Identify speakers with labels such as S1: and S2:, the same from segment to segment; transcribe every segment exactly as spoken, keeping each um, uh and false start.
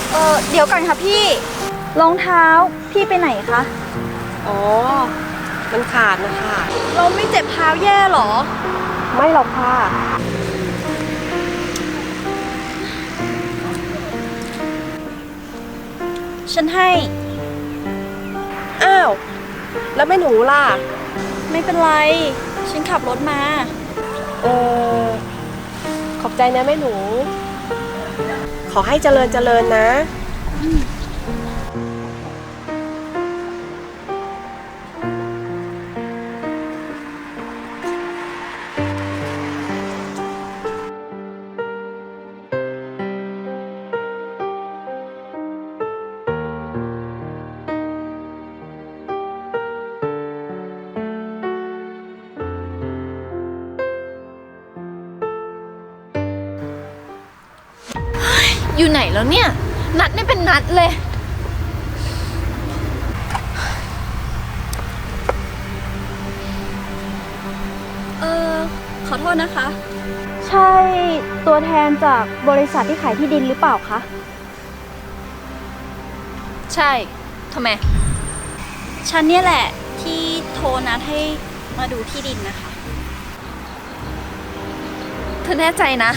S1: เออเดี๋ยวก่อนค่ะพี่รองเท้าพี่ไปไหนคะ
S2: อ๋อมันขาดนะคะ
S1: เราไม่เจ็บเท้าแย่หรอ
S2: ไม่หรอกค่ะ
S1: ฉันให้
S2: อ้าวแล้วแม่หนูล่ะ
S1: ไม่เป็นไรฉันขับรถมา
S2: เออขอบใจนะแม่หนูขอให้เจริญเจริญนะ
S3: อยู่ไหนแล้วเนี่ยนัดไม่เป็นนัดเลย
S1: เออขอโทษนะคะใช่ตัวแทนจากบริษัทที่ขายที่ดินหรือเปล่าคะ
S3: ใช่ทำไม
S1: ฉันเนี่ยแหละที่โทรนัดให้มาดูที่ดินนะคะ
S3: เธอแน่ใจนะ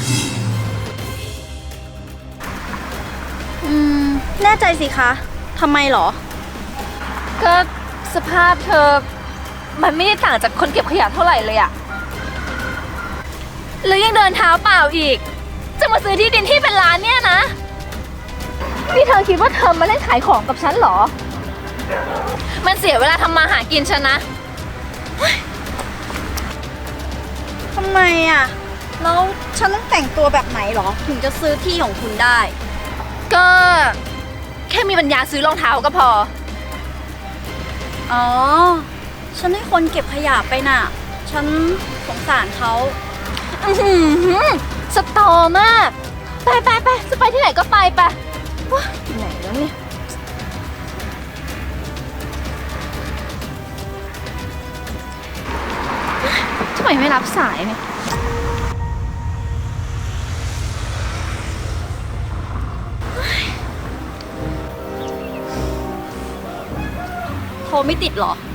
S1: อืมแน่ใจสิคะทำไมหรอ
S3: ก็สภาพเธอมันไม่ได้ต่างจากคนเก็บขยะเท่าไหร่เลยอะแล้วยังเดินเท้าเปล่าอีกจะมาซื้อที่ดินที่เป็นล้านเนี่ยนะนี่เธอคิดว่าเธอมาเล่นขายของกับฉันเหรอมันเสียเวลาทำมาหากินฉันนะ
S1: ทำไมอะแล้วฉันต้องแต่งตัวแบบไหนหรอถึงจะซื้อที่ของคุณได้
S3: ก็แค่มีปัญญาซื้อรองเท้าก็พอ
S1: อ๋อฉันให้คนเก็บขยะไปน่ะฉันสงสารเขา
S3: อือหือสตอมากไปไปไปจะไปที่ไหนก็ไปไปว้าไหนแล้วเนี่ยทำไมไม่รับสายเนี่ย
S1: โทรไม่ติดหรอ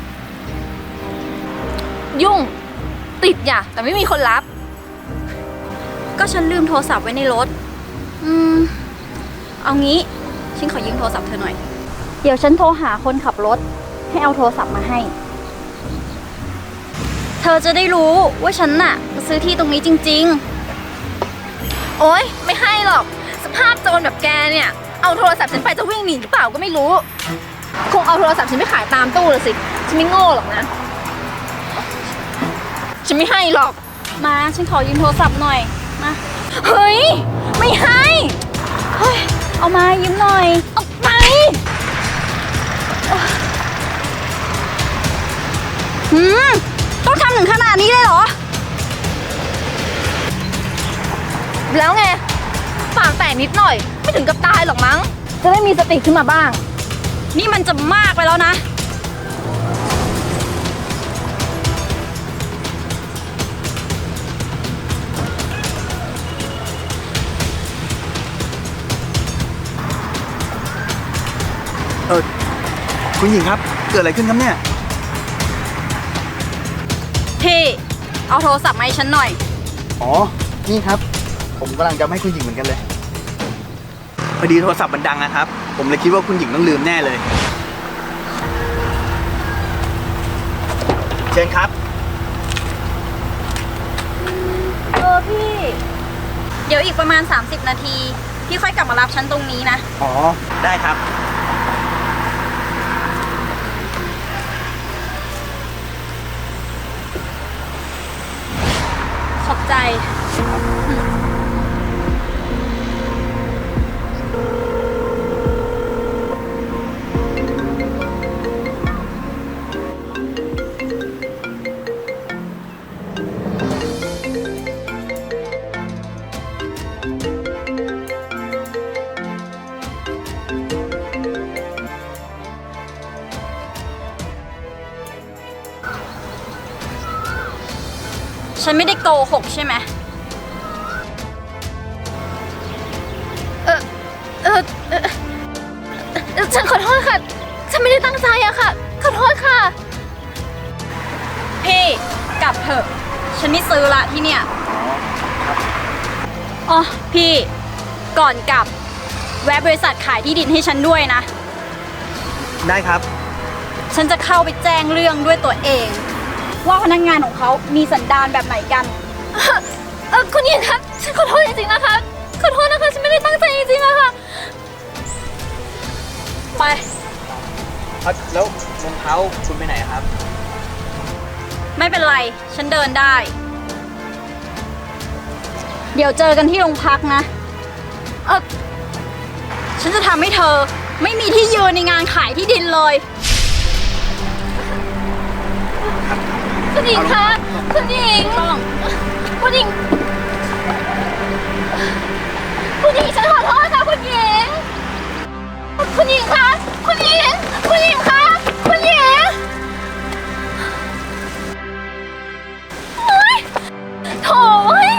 S3: ยุ่งติดอย่ะแต่ไม่มีคนรับ
S1: ก็ฉันลืมโทรศัพท์ไว้ในรถอืมเอางี้ฉันขอยืมโทรศัพท์เธอหน่อยเดี๋ยวฉันโทรหาคนขับรถให้เอาโทรศัพท์มาให้เธอจะได้รู้ว่าฉันน่ะจะซื้อที่ตรงนี้จริง
S3: ๆโอ๊ยไม่ให้หรอกสภาพโจรแบบแกเนี่ยเอาโทรศัพท์ฉันไปจะวิ่งหนีหรือเปล่าก็ไม่รู้คงเอาโทรศัพท์ฉันไปขายตามตู้เลยสิฉันไม่โง่หรอกนะฉันไม่ให้หรอก
S1: มาฉันขอยืมโทรศัพท์หน่อยมา
S3: เฮ้ยไม่ให้
S1: เฮ้ยเอามายืมหน่อย
S3: เอาไป
S1: หืมต้องทำถึงขนาดนี้เลยเหรอ
S3: แล้วไงปากแตกนิดหน่อยไม่ถึงกับตายหรอกมั้งจะได้มีสติขึ้นมาบ้าง
S1: นี่มันจะมากไปแล้วนะ
S4: เออคุณหญิงครับเกิดอะไรขึ้นครับเนี่ย
S1: พี่เอาโทรศัพท์มาให้ฉันหน่อย
S4: อ๋อนี่ครับผมกำลังจะให้คุณหญิงเหมือนกันเลยพอดีโทรศัพท์มันดังนะครับผมเลยคิดว่าคุณหญิงต้องลืมแน่เลยเชิญครับ
S1: เออพี่เดี๋ยวอีกประมาณสามสิบนาทีพี่ค่อยกลับมารับฉันตรงนี้นะ
S4: อ๋อได้ครับ
S1: ขอบใจฉันไม่ได้โกหกใช่ไหม
S3: เออเออเออฉันขอโทษค่ะ ฉันไม่ได้ตั้งใจอะค่ะ ขอโทษค่ะ
S1: พี่กลับเถอะ ฉันไม่ซื้อละที่เนี่ยอ๋อพี่ก่อนกลับ แวะบริษัทขายที่ดินให้ฉันด้วยนะ
S4: ได้ครับ
S1: ฉันจะเข้าไปแจ้งเรื่องด้วยตัวเอง ว่าพนักงานของเขามีสันดานแบบไหนกัน
S3: เออคุณหญิงคะฉันขอโทษจริงๆนะคะ ขอโทษนะคะ ฉันไม่ได้ตั้งใจจริงๆอะค่ะ
S1: ไป
S4: แล้วรองเท้าคุณไปไหนครับ
S1: ไม่เป็นไร ฉันเดินได้ เดี๋ยวเจอกันที่โรงพักนะ เออฉันจะทำให้เธอไม่มีที่ยืนในงานขายที่ดินเลย
S3: คุณหญิงคะ คุณหญิง
S1: ต้อง
S3: คุณหญิง คุณหญิงฉันขอโทษค่ะคุณหญิง คุณหญิงคะ คุณหญิง คุณหญิงคะ คุณหญิงโอ๊ยโถ่เว้ย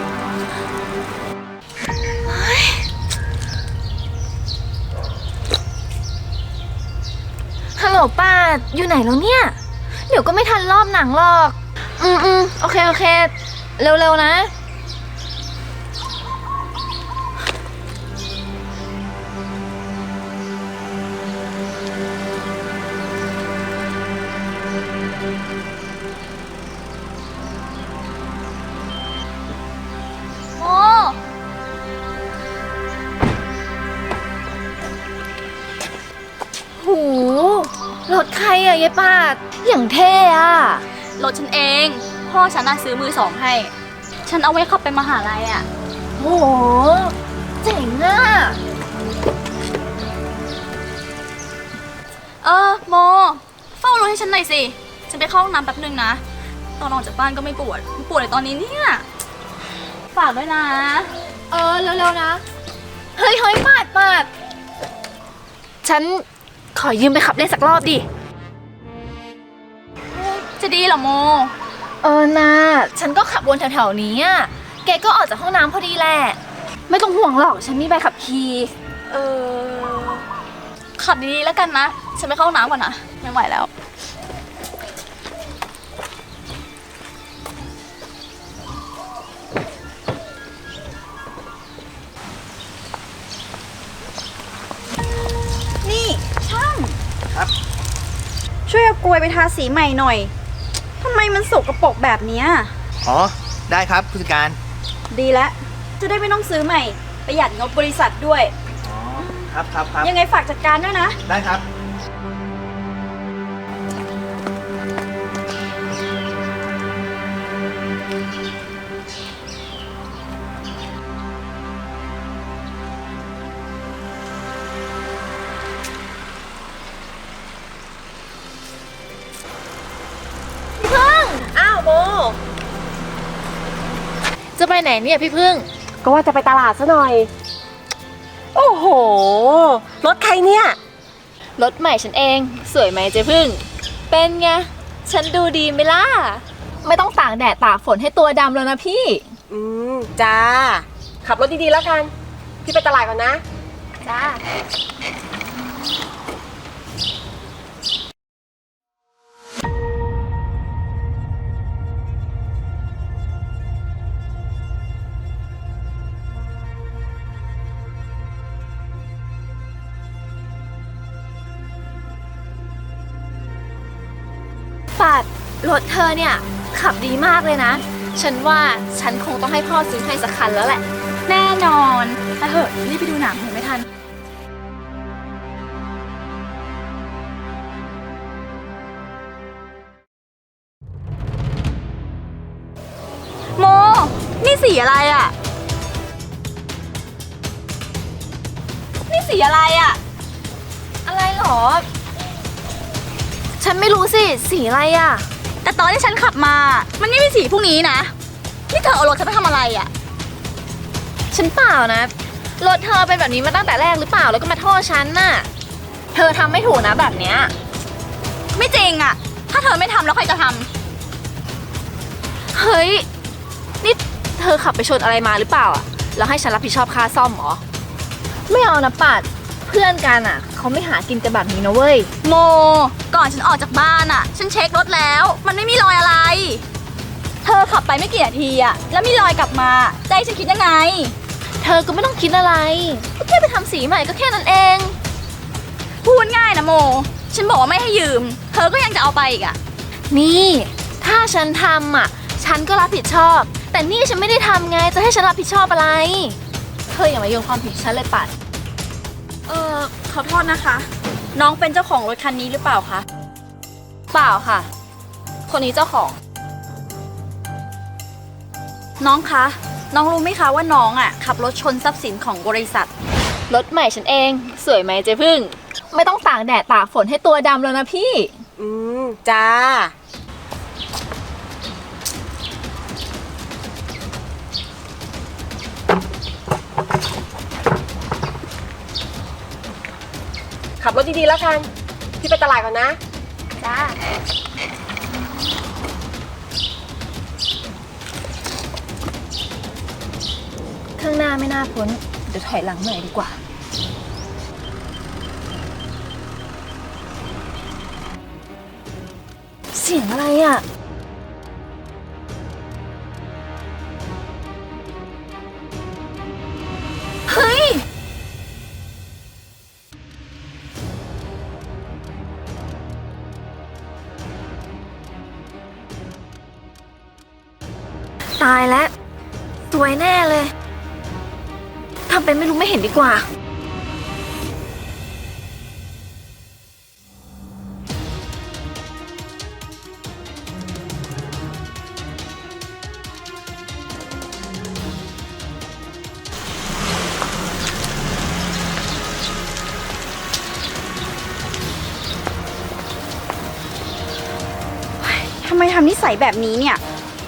S3: เฮ้ยฮัลโหลป้า อยู่ไหนแล้วเนี่ย เดี๋ยวก็ไม่ทันรอบหนังหรอก อืมอืมโอเค โอเค เร็ว ๆ นะ โอ้หูรถใครอะยายปาด อย่างเท่อะ
S1: รถฉันเอง พ่อฉันน่ะซื้อมือสองให้ ฉันเอาไว้ขับไปมหาลัยอ่ะ
S3: โห เจ๋งอะ
S1: เออโม เฝ้ารถให้ฉันหน่อยสิ ฉันไปเข้าห้องน้ำแป๊บนึงนะ ตอนออกจากบ้านก็ไม่ปวด ปวดในตอนนี้เนี่ย ฝากด้วยนะ
S3: เออ เร็ว ๆ นะ เฮ้ยเฮ้ยปาดปาด ฉันขอยืมไปขับเล่นสักรอบดิ
S1: จะดีเหรอโม
S3: เออนาฉันก็ขับวนแถวๆนี้อะแกก็ออกจากห้องน้ำพอดีแหละ ไม่ต้องห่วงหรอก ฉันมีใบขับขี่
S1: เออ ขับดีๆแล้วกันนะ ฉันไปเข้าห้องน้ำก่อนนะ ไม่ไหวแล้ว นี่ช่าง
S4: ครับ
S1: ช่วยเอากลวยไปทาสีใหม่หน่อย ทำไมมันสกปรกแบบเนี้ย
S4: อ๋อ ได้ครับผู้จัดการ
S1: ดีแล้ว จะได้ไม่ต้องซื้อใหม่ ประหยัดงบบริษัทด้วย
S4: อ๋อ ครับครับครับ
S1: ยังไงฝากจัดการด้วยนะ
S4: ได้ครับ
S2: อ้าวโม
S3: จะไปไหนเนี่ยพี่พึ่ง
S2: ก็ว่าจะไปตลาดซะหน่อย โอ้โห รถใครเนี่ย
S3: รถใหม่ฉันเอง สวยไหมเจ๊พึ่ง เป็นไง ฉันดูดีไหมล่ะ ไม่ต้องตากแดดตากฝนให้ตัวดำแล้วนะพี่
S2: อืม จ้า ขับรถดีๆแล้วกัน พี่ไปตลาดก่อนนะ
S3: จ้า ปัดรถเธอเนี่ย ขับดีมากเลยนะ ฉันว่าฉันคงต้องให้พ่อซื้อให้สักคันแล้วแหละ
S1: แน่นอนแต่เหอะรีบไปดูหนังเห็นไม่ทัน โม นี่สีอะไรอ่ะ นี่สีอะไรอ่ะ
S3: อะไรหรอ ฉันไม่รู้สิ สีอะไรอ่ะ
S1: แต่ตอนที่ฉันขับมา มันไม่มีสีพวกนี้นะ นี่เธอเอารถฉันไปทำอะไรอ่ะ
S3: ฉันเปล่านะ รถเธอเป็นแบบนี้มาตั้งแต่แรกหรือเปล่า แล้วก็มาโทษฉันน่ะ เธอทำไม่ถูกนะแบบเนี้ย
S1: ไม่จริงอ่ะ ถ้าเธอไม่ทำแล้วใครจะท
S3: เฮ้ย นี่เธอขับไปชนอะไรมาหรือเปล่าอ่ะ แล้วให้ฉันรับผิดชอบค่าซ่อมเหรอ ไม่เอานะปัดเพื่อนกันอ่ะเขาไม่หากินกันแบบนี้นะเว้ย
S1: โม ก่อนฉันออกจากบ้านอะฉันเช็ครถแล้ว มันไม่มีรอยอะไร เธอขับไปไม่กี่นาทีอะแล้วมีรอยกลับมาใจฉันคิดยังไง
S3: เธอก็ไม่ต้องคิดอะไรก็แค่ไปทำสีใหม่ก็แค่นั้นเอง
S1: พูดง่ายนะโม ฉันบอกว่าไม่ให้ยืม เธอก็ยังจะเอาไปอีกอะ
S3: นี่ ถ้าฉันทำอ่ะ ฉันก็รับผิดชอบ แต่นี่ฉันไม่ได้ทำไง จะให้ฉันรับผิดชอบอะไร เธออย่ามาโยนความผิดฉันเลยปัด
S1: เออขอโทษนะคะ น้องเป็นเจ้าของรถคันนี้หรือเปล่าคะ
S3: เปล่าค่ะ คนนี้เจ้าของ
S1: น้องคะ น้องรู้ไหมคะว่าน้องอะขับรถชนทรัพย์สินของบริษัท
S3: รถใหม่ฉันเอง สวยไหมเจ๊พึ่ง ไม่ต้องตากแดดตากฝนให้ตัวดำแล้วนะพี่
S2: อืม จ้า ขับรถดีๆแล้วกัน พี่ไปตลาดก่อนนะ
S3: จ้า ข้างหน้าไม่น่าพ้น เดี๋ยวถอยหลังหน่อยดีกว่า เสียงอะไรอ่ะ
S1: เฮ้ย
S3: ตายแล้วสวยแน่เลยทำเป็นไม่รู้ไม่เห็นดีกว่า
S1: ทำไมทำนิสัยแบบนี้เนี่ย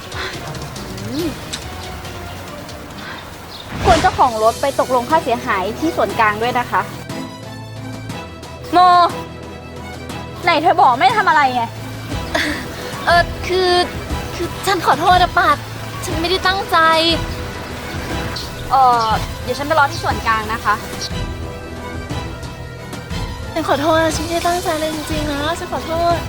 S1: ควรเจ้าของรถไปตกลงค่าเสียหายที่ส่วนกลางด้วยนะคะ โม ไหนเธอบอกไม่ได้ทำอะไรไง
S3: เออคือ คือฉันขอโทษนะปัด ฉันไม่ได้ตั้งใจ
S1: เออเดี๋ยวฉันไปรอที่ส่วนกลางนะคะ
S3: ฉันขอโทษนะฉันไม่ได้ตั้งใจเลยจริงๆนะ ฉันขอโทษ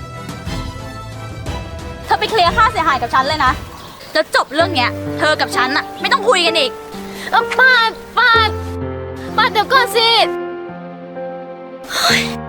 S1: เธอไปเคลียร์ค่าเสียหายกับฉันเลยนะ แล้วจบเรื่องเนี้ย เธอกับฉันอะไม่ต้องคุยกันอีก
S3: เออปาดปาดปาดเดี๋ยวก่อนสิเฮ้ย